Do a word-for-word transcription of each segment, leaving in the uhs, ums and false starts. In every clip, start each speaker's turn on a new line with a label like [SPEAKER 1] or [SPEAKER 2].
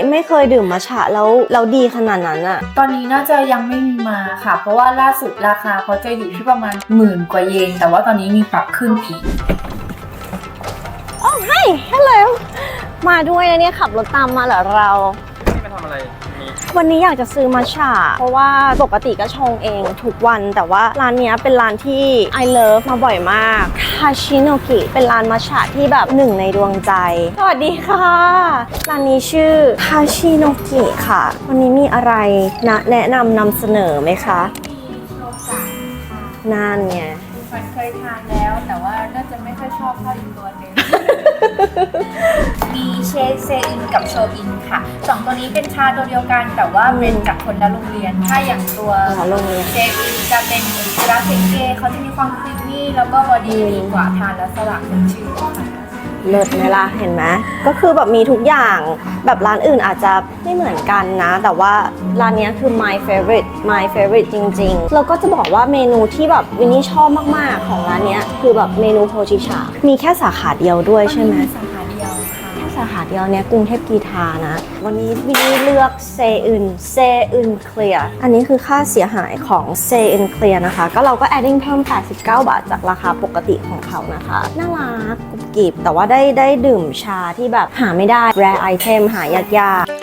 [SPEAKER 1] ไม่เคยดื่มมัทฉะแล้วแล้วดีขนาดนั้นอะ
[SPEAKER 2] ตอนนี้น่าจะยังไม่มีมาค่ะเพราะว่าล่าสุดราคาเขาจะอยู่ที่ประมาณหมื่นกว่าเยนแต่ว่าตอนนี้มีปรับขึ้นอีก
[SPEAKER 1] โอ้ให้ฮัลโหลมาด้วยนะเนี่ยขับรถตามมาเหรอเรา
[SPEAKER 3] นี่มาทำอะไร
[SPEAKER 1] วันนี้อยากจะซื้อมัทฉะเพราะว่าปกติก็ชงเองทุกวันแต่ว่าร้านนี้เป็นร้านที่ I love มาบ่อยมากคาชิโนกิเป็นร้านมัทฉะที่แบบหนึ่งในดวงใจสวัสดีค่ะร้านนี้ชื่อคาชิโนกิค่ะวันนี้มีอะไรนะแนะนำนำเสนอไหมคะ
[SPEAKER 2] มีโชกะค่ะ
[SPEAKER 1] นั่นไง
[SPEAKER 2] มันเคยทานแล้วแต่ว่าน่าจะไม่ค่อยชอบเท่าอีกตัวหนึ่งมีเชคเซอินกับโชอินค่ะสองตัวนี้เป็นชาตัวเดียวกันแต่ว่าเป็นจากคนละโรงเรียนถ้าอย่างตัวเชคอินจะเป็นราเซเกเขาจะมีความครีมมี่แล้วก็บอดี้ดีกว่าทานแล้วสว่างเป็นชื่อค่ะ
[SPEAKER 1] เลิศไหมล่ะเห็นไหมก็คือแบบมีทุกอย่างแบบร้านอื่นอาจจะไม่เหมือนกันนะแต่ว่าร้านนี้คือ my favorite my favorite จริงๆแล้วก็จะบอกว่าเมนูที่แบบวินนี่ชอบมากๆของร้านนี้คือแบบเมนูโพชิชามีแค่สาขาเดียวด้วยใช่ไหม
[SPEAKER 2] สาขาเดียวค่ะ
[SPEAKER 1] แค่สาขาเดียวเนี้ยกรุงเทพกีทานะวันนี้วินนี่เลือกเซอึนเซอึนเคลียร์อันนี้คือค่าเสียหายของเซอึนเคลียร์นะคะก็เราก็ adding เพิ่มแปดสิบเก้าบาทจากราคาปกติของเขานะคะน่ารักกุบกิบแต่ว่าได้ได้ดื่มชาที่แบบหาไม่ได้ rare item หายากๆ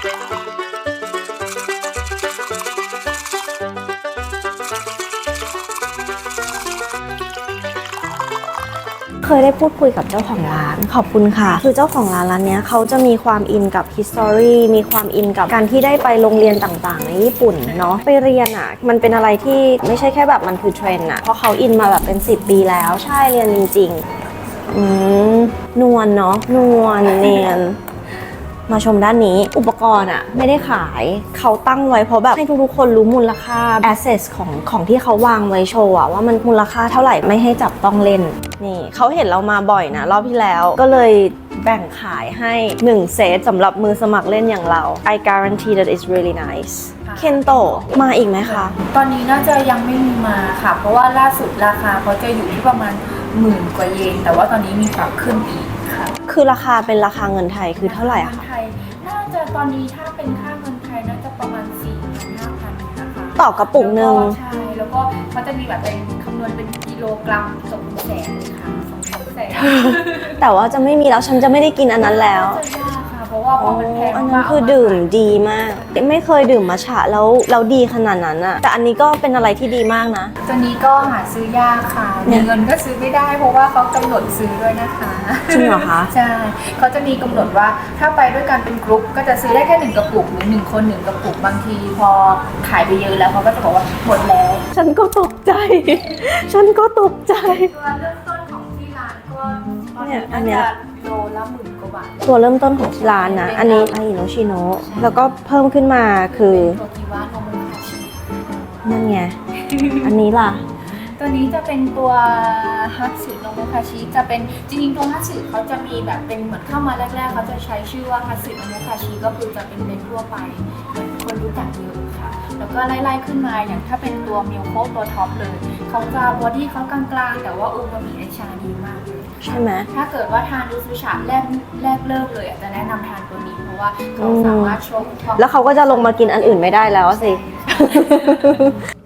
[SPEAKER 1] เคยได้พูดคุยกับเจ้าของร้านขอบคุณค่ะคือเจ้าของร้านร้านนี้เขาจะมีความอินกับ history มีความอินกับการที่ได้ไปโรงเรียนต่างๆในญี่ปุ่นเนาะไปเรียนอ่ะมันเป็นอะไรที่ไม่ใช่แค่แบบมันคือเทรนด์อ่ะเพราะเขาอินมาแบบเป็นสิบปีแล้วใช่เรียนจริงๆอืมนวลเนาะนวลเนียนมาชมด้านนี้อุปกรณ์อะไม่ได้ขายเขาตั้งไว้เพราะแบบให้ทุกๆคนรู้มูลค่า assets ของของที่เขาวางไว้โชว์อะว่ามันมูลค่าเท่าไหร่ไม่ให้จับต้องเล่นนี่เขาเห็นเรามาบ่อยนะรอบที่แล้วก็เลยแบ่งขายให้หนึ่งเซตสำหรับมือสมัครเล่นอย่างเรา I guarantee that it's really nice เคนโตะมาอีกไหมคะ
[SPEAKER 2] ตอนนี้น่าจะยังไม่มีมาค่ะเพราะว่าล่าสุดราคาเขาจะอยู่ที่ประมาณหมื่นกว่าเยนแต่ว่าตอนนี้มีปรับขึ้นอีกค่ะ
[SPEAKER 1] คือราคาเป็นราคาเงินไทยคือเท่าไหร่คะ
[SPEAKER 2] ไทยน่าจะตอนนี้ถ้าเป็นค่าเงินไทยน่าจะประมาณ สี่พัน ห้าพัน นะคะ
[SPEAKER 1] ต่อกระปุกหนึ่ง
[SPEAKER 2] ใช่แล้วก็เขาจะมีแบบเป็นคำนวณเป็นกิโลกรัมสองแสนเลยค่ะสองแสน
[SPEAKER 1] แต่ว่าจะไม่มีแล้วฉันจะไม่ได้กินอันนั้นแล้ว
[SPEAKER 2] เพราะว่าพอมันแพง
[SPEAKER 1] อันนั้นคือดื่มดีมากไม่เคยดื่มมัทฉะแล้วแล้วดีขนาดนั้นอะแต่อันนี้ก็เป็นอะไรที่ดีมากนะ
[SPEAKER 2] ตัวนี้ก็หาซื้อยากค่ะมีเงินก็ซื้อไม่ได้เพราะว่าเขากำหนดซื้อด้วยนะคะ
[SPEAKER 1] จริงเหรอคะ
[SPEAKER 2] ใช่เขาจะมีกำหนดว่าถ้าไปด้วยกันเป็นกรุ๊ปก็จะซื้อได้แค่หนึ่งกระปุกหรือหนึ่งคนหนึ่งกระปุกบางทีพอขายไปเยอะแล้วเขาก็จะบอกว่าหมดแล้ว
[SPEAKER 1] ฉันก็ตกใจฉันก็ตกใจ
[SPEAKER 2] ตัวเริ่มต้นของที่ร้านก็
[SPEAKER 1] เนี่ยอันเนี้ย
[SPEAKER 2] โลละหมื่นกว่าบาท
[SPEAKER 1] ตัวเริ่มต้นของที่ร้านนะอันนี้อาอิโนชิโนะแล้วก็เพิ่มขึ้นมาคือ
[SPEAKER 2] โทกิวะโนมุคาชิ
[SPEAKER 1] นั่นไงอันนี้ล่ะ
[SPEAKER 2] ตัวนี้จะเป็นตัวฮัตสึโนมุคาชิจะเป็นจริงๆตัวฮัตสึเขาจะมีแบบเป็นเหมือนเข้ามาแรกๆเขาจะใช้ชื่อว่าฮัตสึโนมุคาชิก็คือจะเป็นเบนทั่วไปเหมือนคนรู้จักเยอะค่ะแล้วก็ไล่ๆขึ้นมาอย่างถ้าเป็นตัวมิลโคตัวท็อปเลยเขาจะบอดี้เขากลางๆแต่ว่าอูมามิในชาดีมากเลย
[SPEAKER 1] ใช่ไหม
[SPEAKER 2] ถ้าเกิดว่าทานดูซูชาแรกแรกเริ่มเลยอาจจะแนะนำทานตัวนี้เพราะว่าเขาสามารถชง
[SPEAKER 1] แล้วเขาก็จะลงมากินอันอื่นไม่ได้แล้วสิ